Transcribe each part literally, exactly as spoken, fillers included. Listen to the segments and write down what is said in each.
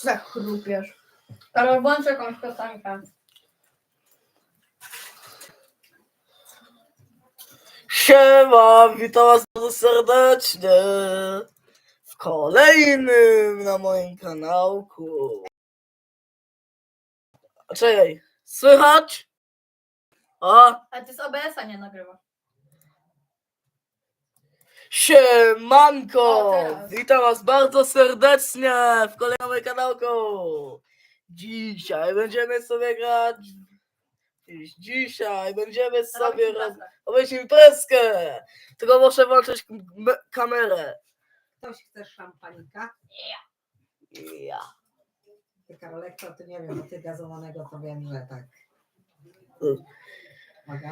tak chrupiesz? Karol, włącz jakąś piosenkę. Siema, witam was bardzo serdecznie w kolejnym na moim kanałku. Czekaj, słychać? O, A ty z O B S-a nie nagrywasz. siemanko, O, teraz. witam was bardzo serdecznie w kolejnym na moim kanałku. Dzisiaj będziemy sobie grać, dzisiaj będziemy sobie robić robić imprezkę, tylko muszę włączyć m- kamerę. Ktoś chce szampanika? Ja. Ty, Karolek, to ty nie wiem, bo ty gazowanego to wiem, że tak. Mm. Uwaga.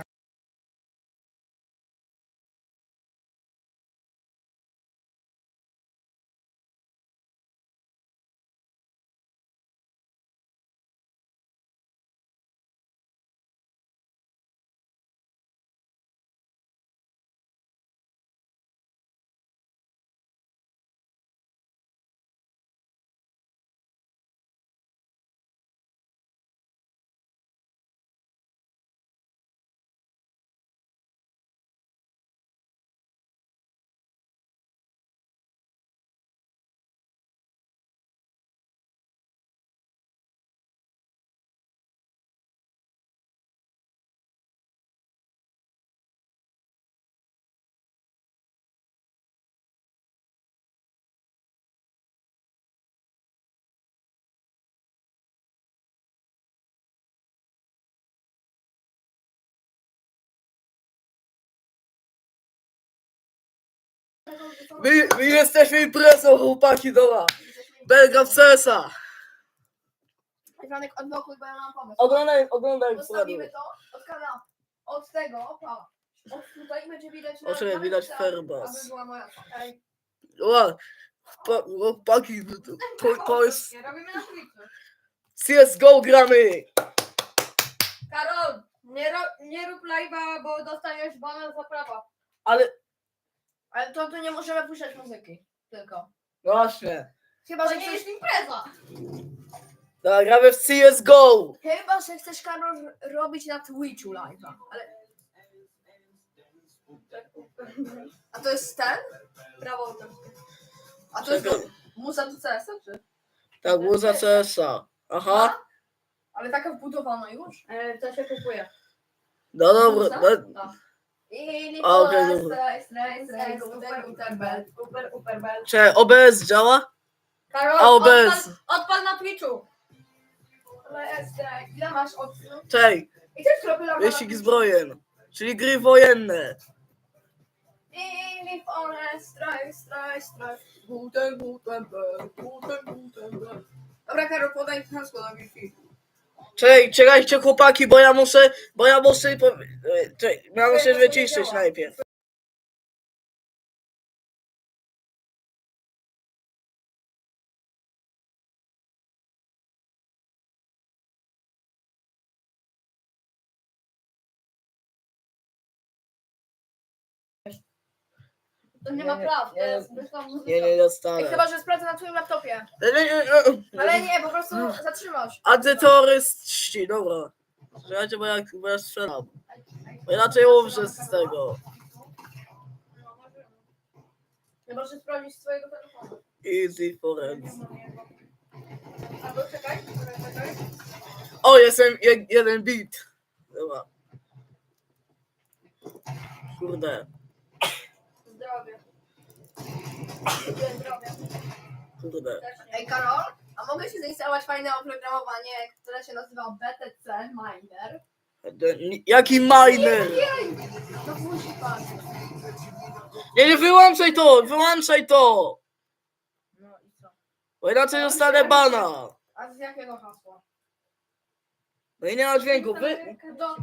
My, my jesteśmy imprezą, chłopaki, dobra. Belga w C S a. Franek, odblokuj, bo ja mam pomysł. Oglądaj, oglądaj Postawimy to od kanału, od tego, o, od tutaj będzie widać na... Oczywiście na widać tak, Ferbas. aby była moja... Ej, Ła, chłopa- chłopaki, to, to, to jest robimy na Twitchu. C S G O gramy. Karol, nie, ro, nie rób live'a, bo dostaniesz bana za prawa. Ale, Ale to tu nie możemy puszczać muzyki, tylko. właśnie, Chyba, To że nie chcesz... jest impreza. dobra, gramy w C S G O. Chyba, że chcesz, Karol, robić na Twitchu live'a, ale... A to jest ten? Prawo autorskie. A to jest Czekaj. muza do C S a, czy? Tak, było za C S a. Aha, Ale taka wbudowana już? E, to się kupuje. no dobra, no, No. I A, okej, dobra. Super, super, bel. czy O B S działa? Karol, A O B S. odpal, odpal na Twitchu. Ile masz od... Czej, I też kropela... wyścig zbrojen, czyli gry wojenne. I forest, straj, straj, straj. Guten, guten, bel, guten, guten, bel. Dobra, Karol, podaj hasło na Wi-Fi. Czekaj, czekajcie chłopaki, bo ja muszę, bo ja muszę, po- e, czekaj, ja muszę wyciszyć najpierw. To nie ma Nie, praw, to nie, jest zwykła muzyka. Nie, nie Ej, dostanę. chyba, że sprawdzę na twoim laptopie. Nie, nie, nie, nie. Ale nie, po prostu zatrzymasz. Antyterroryści, dobra. Słuchajcie, bo ja, bo ja strzelam. Bo inaczej umrze z tego. Nie możesz sprawdzić swojego telefonu. Easy forenz. Albo czekaj, czekaj, czekaj. O, jestem je, jeden bit. Dobra. Kurde, Zdrowie. Zdrowie. kurde. Ej, Karol, a mogę ci zainstalować fajne oprogramowanie, które się nazywa B T C Miner? Jaki miner? Jej! No musi pan. Nie, nie wyłączaj to, wyłączaj to. No i co? Bo inaczej dostanę bana. A z jakiego hasła? No i nie ma dźwięku. Wy... Do...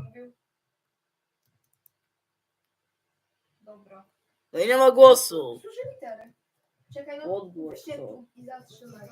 Dobra. No i nie ma głosu. Słyszę litery. Czekaj, no Odgłos weźcie to. tu i zatrzymaj.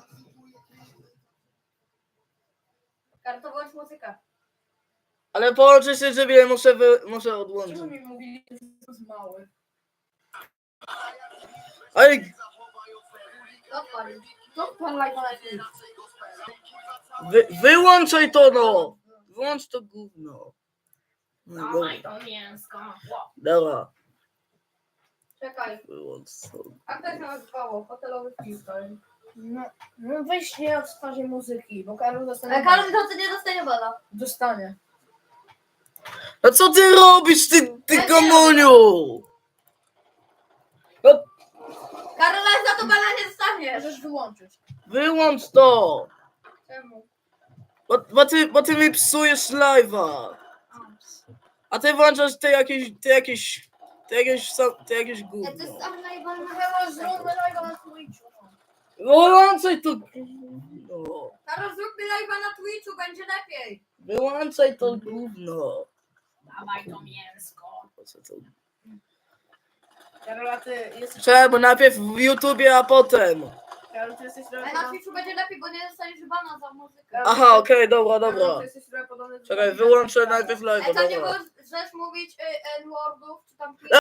Karol, włącz muzykę. Ale połączę się, żeby muszę, wy... muszę Czemu odłączyć. mi mówili, że jest mały? Ej, Odpalił. To pan live na Twitch. Wy, wyłączaj to no! Wyłącz to gówno. No, dobra, Dawaj to mięsko. dobra, Czekaj, wyłącz to. a jak to się nazywało? Hotelowy freestyle. No, no weź nie w fazie muzyki, bo Karol dostanie. Ale Karol to nie dostanie bana. Dostanie. A co ty robisz, ty, ty Ja nie komuniu? No, Karol za to bana nie dostanie. Możesz wyłączyć. wyłącz to! Czemu? Bo, bo, ty, bo ty mi psujesz live'a. A ty włączasz te jakieś, te jakieś, te jakieś, sam- te jakieś Ja to gówno. jest tam najbardziej. Chyba zróbmy live na Twitchu. Wyłączaj to gówno. Karol, zróbmy live'a na Twitchu, będzie lepiej. Wyłączaj to gówno. Dawaj to mięsko. Po co to? Karol, a ty jesteś. Czemu? Najpierw w YouTubie, a potem. Karol, ty jesteś trochę Ale na podobny- Twitchu będzie lepiej, bo nie dostaniesz bana za muzykę. Karol, Aha, okej, dobra, Karol, dobra. ty jesteś trochę podobny do- Czekaj, wyłączę najpierw Ej, live'a, tam nie dobra. możesz mówić y, N-wordów, czy tam